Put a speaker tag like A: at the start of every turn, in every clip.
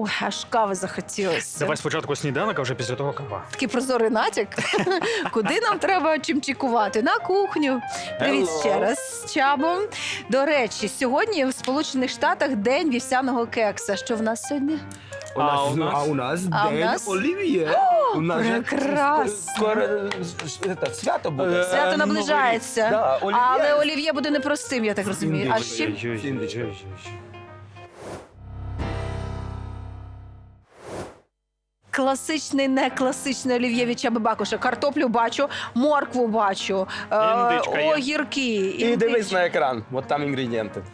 A: Ой, аж кави захотілося.
B: Давай спочатку сніданок, а вже після того кава.
A: Такий прозорий натяк. Куди нам треба чимчикувати? На кухню. Привіт
C: Hello.
A: ще раз з Чабом. До речі, сьогодні в Сполучених Штатах день вівсяного кекса. Що в нас сьогодні?
B: А у нас?
C: А у нас
A: А у
C: день
A: нас?
C: Олів'є. У нас же
A: прекрасно.
C: скоро свято буде.
A: Свято наближається.
C: Да, олів'є.
A: Але олів'є буде непростим, я так розумію. А з чим?
B: Ой-ой-ой.
A: Класичний, не класичний олів'є від Чаби Бакуша. Картоплю бачу, моркву бачу,
B: Індичка є.
A: огірки.
C: І дивись на екран, от там інгредієнти.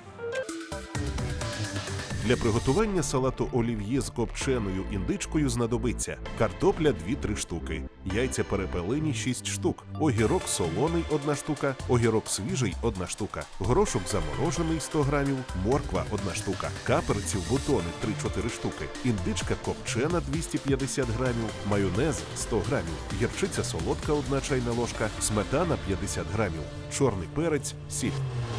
D: Для приготування салату олів'є з копченою індичкою знадобиться картопля 2-3 штуки, яйця перепелині 6 штук, огірок солоний 1 штука, огірок свіжий 1 штука, горошок заморожений 100 грамів, морква 1 штука, каперців бутони 3-4 штуки, індичка копчена 250 грамів, майонез 100 грамів, гірчиця солодка 1 чайна ложка, сметана 50 грамів, чорний перець, сіль.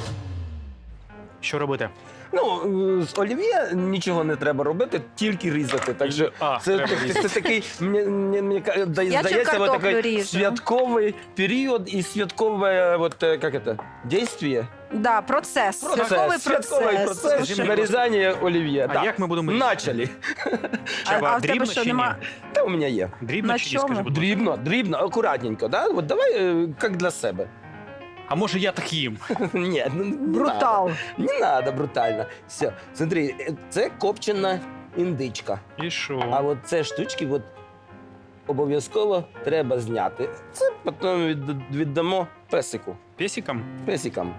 B: Що робити?
C: Ну, з олів'є нічого не треба робити, тільки різати. Так що
B: треба різати.
C: це такий, мені здається,
A: картоплю
C: такий
A: ріжу.
C: святковий період і святкове, як це, дійство.
A: Да, процес. Святковий
C: Святковий процес
A: Слушай,
C: нарізання олів'є.
B: А
C: Так.
B: як ми будемо різати?
C: Начали.
B: Чаба,
A: а в тебе
B: дрібно
A: що,
B: чи ні?
A: нема?
C: Та у мене є.
B: Дрібно
A: На
B: чи ні,
A: чому?
B: скажи, будь ласка.
C: Дрібно, акуратненько, да? От давай, як для себе.
B: А може я так їм?
C: Ні, ну, не
A: Брутал.
C: надо. Не надо брутально. Все, смотри, це копчена індичка.
B: І
C: А
B: що?
C: от це штучки от, обов'язково треба зняти. Це потім віддамо песику.
B: Песиком?
C: Песикам.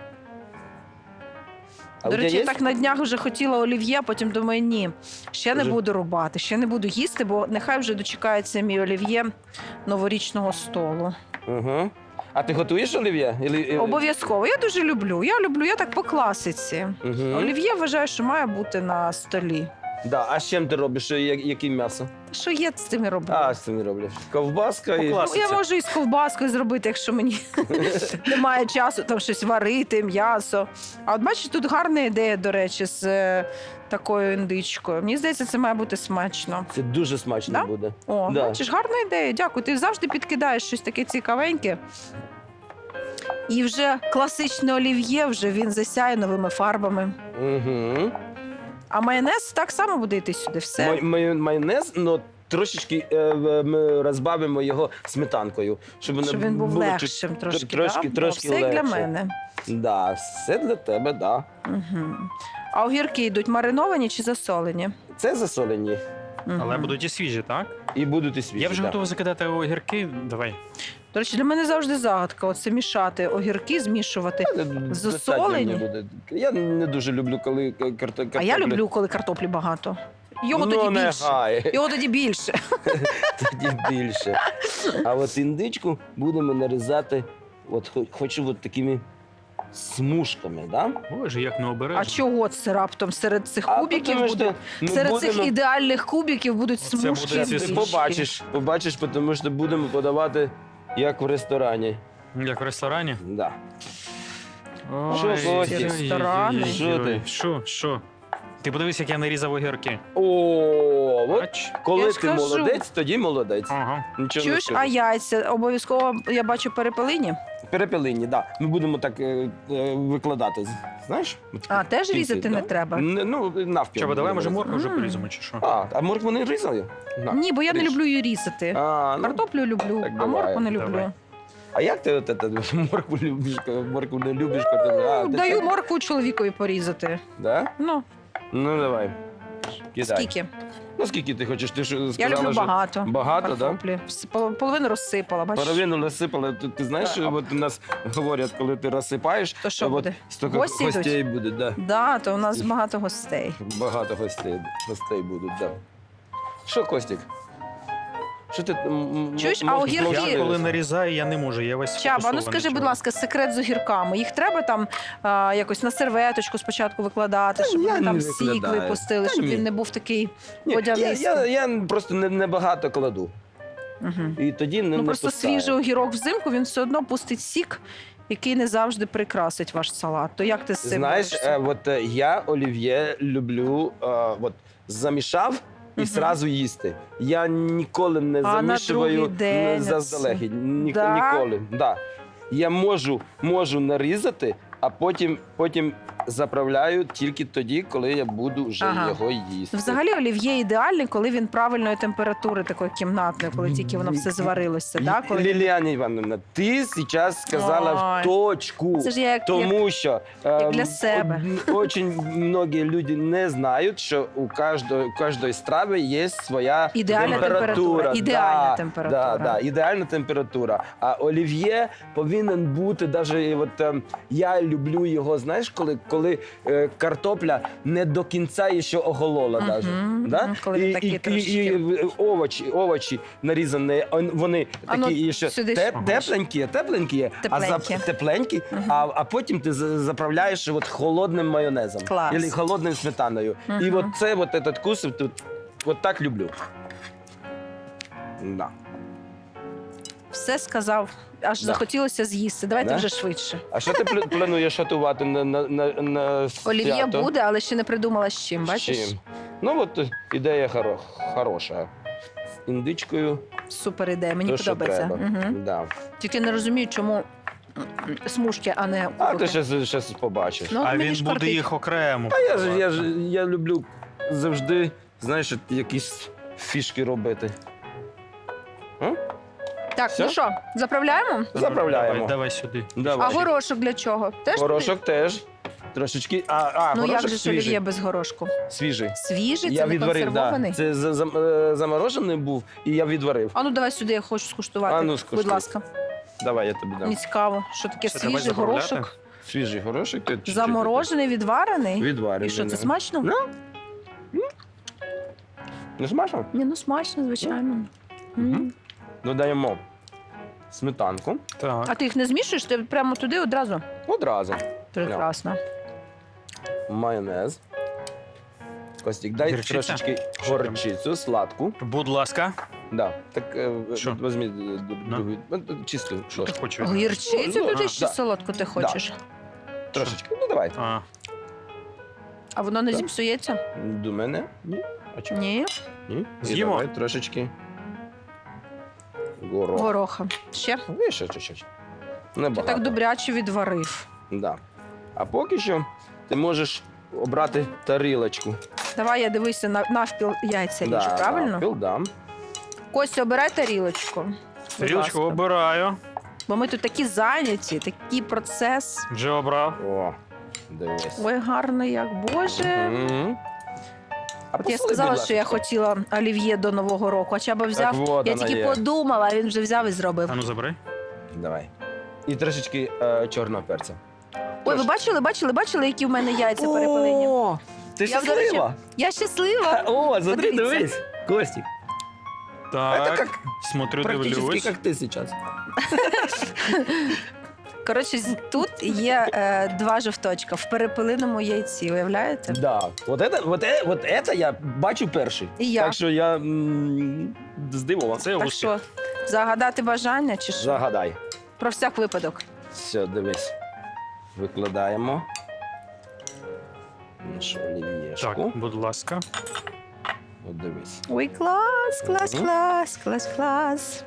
C: А
A: До
C: у тебе
A: речі, я
C: є?
A: так на днях вже хотіла олів'є, потім думаю, ні, ще не
C: Вже?
A: буду рубати, ще не буду їсти, бо нехай вже дочекається мій олів'є новорічного столу.
C: Угу. А ти готуєш олів'є?
A: Обов'язково. Я дуже люблю. Я так по класиці.
C: Угу.
A: Олів'є вважаю, що має бути на столі.
C: Да. А з чим ти робиш? Яке м'ясо?
A: Що є з цим і робити?
C: А, з цим не роблю. Ковбаска
B: По
C: і...
B: класиці.
A: Ну, я можу і з ковбаскою зробити, якщо мені немає часу там щось варити, м'ясо. А от бачиш, тут гарна ідея, до речі, з такою індичкою. Мені здається, це має бути смачно.
C: Це дуже смачно
A: Да?
C: буде.
A: О,
C: Да.
A: бачиш, гарна ідея. Дякую. Ти завжди підкидаєш щось таке цікавеньке. І вже класичне олів'є, вже він засяє новими фарбами.
C: Угу.
A: А майонез так само буде йти сюди. Все.
C: Майонез, але трошечки ми розбавимо його сметанкою. Щоб
A: Щоб він був
C: було
A: легшим трошки.
C: трошки,
A: да?
C: трошки
A: Все як для
C: легше.
A: мене.
C: Да, все для тебе, да.
A: Угу. А огірки йдуть мариновані чи засолені?
C: Це засолені
A: Мгм.
B: Але будуть і свіжі, так?
C: і будуть і свіжі.
B: Я вже
C: да.
B: готовий закидати огірки. Давай.
A: До речі, для мене завжди загадка. Оце мішати огірки, змішувати.
C: Достатньо
A: засолені?
C: мені буде. Я не дуже люблю, коли картопля.
A: А я люблю, коли картоплі багато. Його
C: Ну,
A: тоді
C: не
A: більше.
C: гай.
A: Його тоді більше.
C: Тоді більше. А от індичку будемо нарізати, хочу от такими смужками, да?
B: Боже, як не
A: А
B: обережно.
A: чого це раптом серед цих
C: А
A: кубиків
C: тому
A: буде?
C: що ми
A: Серед цих
C: будемо-
A: ідеальних кубиків будуть
B: Оце
A: смужки.
B: буде
C: Ти
B: ці
A: більші.
C: побачиш, тому що будемо подавати як в ресторані.
B: Як в ресторані?
C: Да.
B: Ой,
C: Що, Костя?
B: ой-ой-ой-ой-ой.
A: Ресторани.
C: Що ти?
B: Що? Ти подивись, як я нарізав огірки.
C: О, от
B: Бач?
C: коли
A: Я
C: ти
A: ж кажу.
C: молодець, тоді молодець.
B: Ага.
C: Нічого
A: Чуєш,
C: не
A: а
C: скажу.
A: яйця обов'язково, я бачу, перепелині.
C: Перепелині, да. Ми будемо так викладати. Знаєш?
A: А, теж
C: Кінці,
A: різати не
C: да?
A: треба?
C: Ну, навпіл.
B: Чаба, давай, може,
C: будемо
B: моркву вже
A: Мм.
B: поріземо, чи що?
C: А моркву не різали? На.
A: Ні, бо я не
C: ріж.
A: люблю її різати.
C: А, ну,
A: Картоплю люблю,
C: так
A: а
C: давай,
A: моркву не люблю.
B: давай.
C: а як ти моркву не любиш? Картоплю? А, ти
A: Даю
C: так?
A: моркву чоловікові порізати.
C: Да?
A: Ну,
C: Ну, давай. Кидай.
A: скільки?
C: Ну, скільки ти хочеш? Ти ж
A: Я
C: сказала,
A: люблю
C: що
A: багато.
C: багато, да?
A: картоплі. Половину розсипала, бачиш?
C: Половину насипали. Ти знаєш,
A: Так.
C: от у нас говорять, коли ти розсипаєш,
A: То що
C: от
A: буде?
C: стільки
A: Гості йдуть?
C: гостей буде, да.
A: Да, то у нас багато гостей.
C: Багато гостей будуть, да. Що, Костік? Що ти
A: Чуєш, а
C: можеш
A: огірки?
C: знову
B: Я коли
C: дивитися?
B: нарізаю, я не можу. Я весь
A: Чаба, ну
B: сфокусований
A: скажи, будь
B: чого.
A: ласка, секрет з огірками. Їх треба там якось на серветочку спочатку викладати,
C: Та
A: щоб
C: я
A: вони там
C: не
A: сік
C: викладаю.
A: випустили,
C: Та
A: щоб
C: ні.
A: він не був такий
C: Ні,
A: водянистий.
C: я просто не багато кладу.
A: Угу.
C: І тоді не
A: Ну просто
C: пускаю.
A: свіжий огірок взимку, він все одно пустить сік, який не завжди прикрасить ваш салат. То як ти з цим
C: Знаєш,
A: борешся?
C: я олів'є люблю, замішав і
A: Мгм.
C: зразу їсти. Я ніколи не
A: А на
C: замішую
A: другий день
C: заздалегідь.
A: Да?
C: Ніколи. Да. Я можу нарізати, а потім заправляю тільки тоді, коли я буду вже
A: Ага.
C: його їсти.
A: Взагалі олів'є ідеальний, коли він правильної температури, такої кімнатної, коли тільки воно все зварилося. Да? Коли...
C: Ліліана Івановна, ти зараз сказала
A: Ой.
C: в точку.
A: Це ж я як
C: Тому що
A: для себе.
C: Очень многие люди не знають, що у кожної страви є своя
A: Ідеальна температура. Ідеальна температура.
C: Да, ідеальна температура. А олів'є повинен бути, я люблю його, знаєш, коли картопля не до кінця ще оголола.
A: Мгм,
C: Даже,
A: мгм,
C: да?
A: коли такі трошечки.
C: овочі нарізані, вони
A: А ну,
C: такі ще
A: сюди
C: тепленькі,
A: Тепленькі.
C: тепленькі,
A: Мгм.
C: а потім ти заправляєш холодним майонезом
A: Клас.
C: або холодною сметаною. І
A: Мгм.
C: этот вкус так люблю. Да.
A: Все сказав, аж
C: Да.
A: захотілося з'їсти. Давайте
C: Да?
A: вже швидше.
C: А що ти плануєш готувати на
A: Олів'є
C: свято?
A: буде, але ще не придумала з чим,
C: З
A: бачиш?
C: чим? Ну ідея хороша. З індичкою.
A: Супер ідея, мені
C: то, що
A: подобається.
C: треба.
A: Мгм.
C: Да.
A: Тільки не розумію, чому смужки, а не
C: А
A: кубики.
C: ти ще побачиш.
A: Ну,
B: А
A: мені
B: він
A: ж
B: буде
A: кортить.
B: їх окремо.
C: Я люблю завжди, знаєш, якісь фішки робити.
A: Так,
C: Все?
A: ну що, заправляємо?
C: Заправляємо.
B: Давай сюди.
A: А
C: Давай.
A: горошок для чого? Теж
C: Горошок теж. Трошечки.
A: Ну
C: Горошок
A: як же ж
C: свіжий.
A: олів'є без горошку?
C: Свіжий.
A: Свіжий,
C: Я
A: це не
C: відварив,
A: консервований?
C: да. Це заморожений був, і я відварив.
A: А ну давай сюди, я хочу скуштувати.
C: А ну, скуштуй.
A: Будь ласка.
C: Давай, я тобі дам.
A: Мені цікаво, що таке
B: Все, давай
A: свіжий
B: заправляти?
A: горошок.
C: Свіжий горошок. ти чуть-чуть
A: Заморожений, відварений.
C: відварив.
A: І що, це
C: да.
A: смачно?
C: Ну. Не смачно?
A: Ні, ну смачно, звичайно.
C: Мгм.
A: М.
C: Додаємо сметанку.
B: Так.
A: А ти їх не змішуєш? Ти прямо туди одразу?
C: Одразу.
A: Прекрасно.
C: Майонез. Костік, дай
B: Гірчиця?
C: трошечки горчицю, сладку.
B: Будь ласка.
C: Да. Так,
B: Що?
C: візьми
B: На.
C: другу, чисту
B: Що ти
C: ложку.
B: хочеш?
A: Гірчицю
C: Ну,
A: туди
C: а,
A: ще
C: да.
A: солодку ти хочеш?
C: Трошечки. Ну, давай.
B: А,
A: А воно не
C: Так.
A: зіпсується?
C: До мене? Ні. А чому?
A: Ні.
C: Ні. І
B: З'їмо?
C: давай трошечки горох.
A: Гороха. Ще?
C: І ще чуть-чуть.
A: Ти
C: Небагато.
A: так добряче відварив.
C: Да. А поки що ти можеш обрати тарілочку.
A: Давай я дивися навпіл яйця ріжу, правильно?
C: Навпіл, да.
A: Костя, обирай тарілочку. Будь
B: тарілочку
A: ласка.
B: обираю.
A: Бо ми тут такі зайняті, такий процес.
B: Вже обрав.
C: О, дивись.
A: Ой, гарно як, Боже.
C: Мгм. А
A: От я
C: посоли,
A: сказала,
C: будь
A: що я
C: ласка.
A: хотіла олів'є до Нового року, а Чаба взяв.
C: Так, вот
A: Я
C: вона
A: тільки
C: є.
A: подумала, а він вже взяв і зробив.
B: А ну забери.
C: Давай. І трошечки чорного перця.
A: Ой, ви бачили, які в мене яйця перепелені?
C: О, ти
A: Я, до речі,
C: щаслива?
A: Я щаслива.
C: О, смотри,
A: Подивіться.
C: дивись. Костік. Это
B: Так.
C: как
B: Смотрю,
C: практически
B: дивлюсь.
C: как ты сейчас.
A: Коротше, тут є два жовточка в перепелиному яйці, уявляєте?
C: Да. Вот это я бачу перший.
A: І я.
C: Так що я здивований.
B: Це
A: Так
B: успіх.
A: що, загадати бажання чи що?
C: Загадай.
A: Про всяк випадок.
C: Все, дивись. Викладаємо. Нашу
B: Так,
C: олів'єшку.
B: будь ласка.
C: От дивись.
A: Ой, клас, клас,
C: Мгм.
A: клас, клас, клас.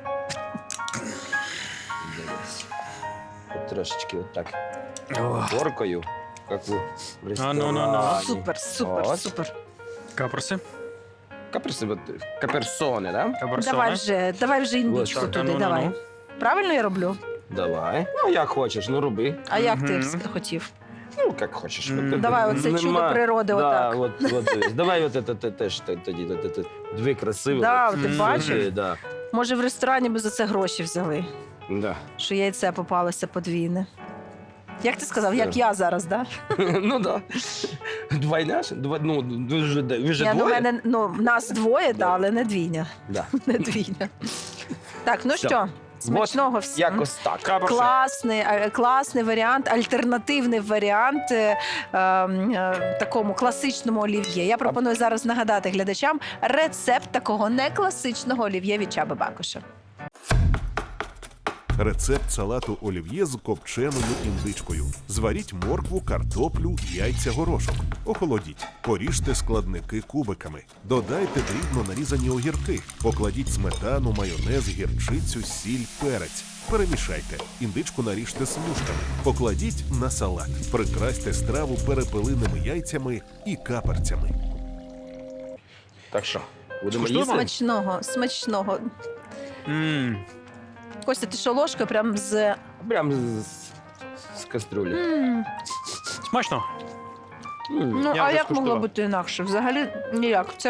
C: Дивись. От трошечки отак
B: О,
C: горкою, як у ресторані.
B: ну.
A: Супер, супер,
C: От.
A: супер.
B: Каперси.
C: Каперсони, да?
B: Каберсони.
A: Давай вже індичку
C: так,
A: туди,
B: ну,
A: давай.
B: ну.
A: Правильно я роблю?
C: Давай. Ну, як хочеш, ну роби.
A: А як ти
B: Мгм.
A: хотів?
C: Ну, як хочеш.
B: Мгм.
C: От,
A: Давай, оце
C: нема-
A: чудо природи,
C: да,
A: отак.
C: от дивись. Давай от це теж тоді. Дві красиві.
A: Да,
C: от.
A: ти
B: Мгм.
A: бачив?
C: Да.
A: Може, в ресторані би за це гроші взяли,
C: Да.
A: що яйце попалося подвійне. Як ти сказав, як
C: Все.
A: я зараз, да?
C: Ну да. Двойня ж? Ну, ви ж
A: Я, ну,
C: двоє?
A: мене, нас двоє,
C: Да.
A: да, але не двійня.
C: Да.
A: Не двійня. Так, ну
C: Все.
A: що, смачного всім.
C: Якось так.
B: Каперси.
A: Класний варіант, альтернативний варіант такому класичному олів'є. Я пропоную зараз нагадати глядачам рецепт такого некласичного олів'є від Чаби Бакоша.
D: Рецепт салату олів'є з копченою індичкою. Зваріть моркву, картоплю, яйця, горошок. Охолодіть. Поріжте складники кубиками. Додайте дрібно нарізані огірки. Покладіть сметану, майонез, гірчицю, сіль, перець. Перемішайте. Індичку наріжте смужками. Покладіть на салат. Прикрасьте страву перепелиними яйцями і каперцями.
C: Так що, будемо
B: Скуштуємо?
C: їсти?
A: Смачного, смачного.
B: М,
A: Костя, ти що, ложка прям з...
C: Прям з каструлі.
B: Смачно.
A: Ну,
B: Я
A: а
B: вже
A: як могло
B: скуштував.
A: бути інакше? Взагалі ніяк. Це...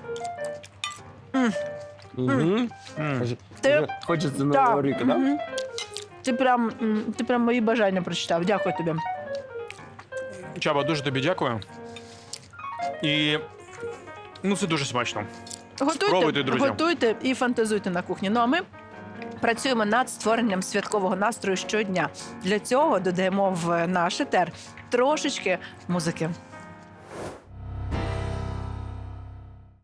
C: Мгм.
B: М.
A: Ти...
C: Хочеться Нового року, так?
A: мгм. Ти прям мої бажання прочитав. Дякую тобі.
B: Чаба, дуже тобі дякую. І ну, це дуже смачно. Спробуйте, друзі.
A: Готуйте і фантазуйте на кухні. Ну а ми працюємо над створенням святкового настрою щодня. Для цього додаємо в наш етер трошечки музики.